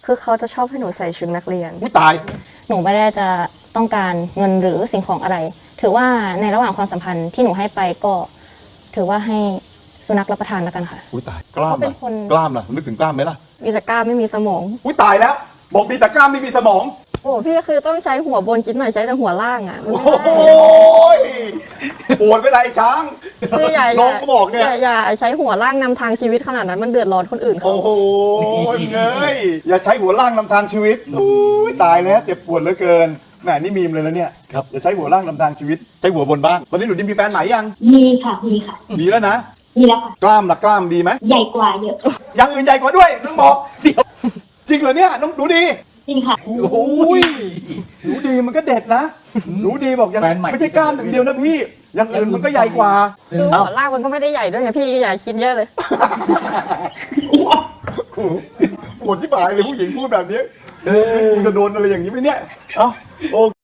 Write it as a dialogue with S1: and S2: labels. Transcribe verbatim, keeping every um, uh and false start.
S1: คือเขาจะชอบให้หนูใส่ชุดนักเรียน
S2: อุ้ยตาย
S3: หนูไม่ได้จะต้องการเงินหรือสิ่งของอะไร ถือว่าในระหว่างความสัมพันธ์ที่หนูให้ไปก็ ถือว่าให้สุนัขรับประทานแล้วกันค่ะ
S2: อุ้ยตายกล้าม
S3: เขาเป็
S2: ล่ะ
S3: นคน
S2: กล้ามล่ะนึกถึงกล้ามไหมล่ะ
S1: มีแต่กล้ามไม่มีสมอง
S2: อุ้ยตายแล้ว บอกมีแต่กล้ามไม่มีสมอง
S1: โอ้พี่คือต้องใช้หัวบนคิดหน่อยใช้แต่หัวล่างอ่ะมัน
S2: โอ้
S1: ไม่
S2: โห
S1: ได้
S2: ปวดไปไหนช้าง
S1: คืออย่า
S2: น้องก็บอกเนี่ย
S1: อย่าอย่าใช้หัวล่างนำทางชีวิตขนาดนั้นมันเดือดร้อนคนอื่นเขา
S2: โอ้โหเงยอย่าใช้หัวล่างนำทางชีวิตอุ้ยตายแล้วเจ็บปวดเหลือเกินแหมนี่มีมเลยแล้วเนี่ยครับอย่าใช้หัวล่างนำทางชีวิตใช้หัวบนบ้างตอนนี้หนูดิมมีแฟนใหม่ยัง
S4: มีค่ะ มีค่ะ
S2: มีแล้วนะ
S4: มีแล้วค่ะ
S2: กล้ามล่ะกล้ามดีไหม
S4: ใหญ่กว่าเยอะ
S2: อย่างอื่นใหญ่กว่าด้วยน้องบอกเดี๋ยวจริงเหรอเนี่ยน้องหนูดี
S4: จริงค่ะ
S2: โอ้ยหนูดีมันก็เด็ดนะหนูดีบอกยัง
S5: แฟนใหม่
S2: ไม่ใช่กล้ามอย่างเดียวนะพี่อย่างอื่นมันก็ใหญ่กว่า
S1: คือหัวล่างมันก็ไม่ได้ใหญ่ด้วยไงพี่อย่าคิดเยอะเลย
S2: กูปวดที่ปลายเลยผู้หญิงพูดแบบนี้กูจะโดนอะไรอย่างนี้ไหมเนี่ยเอ้าโอ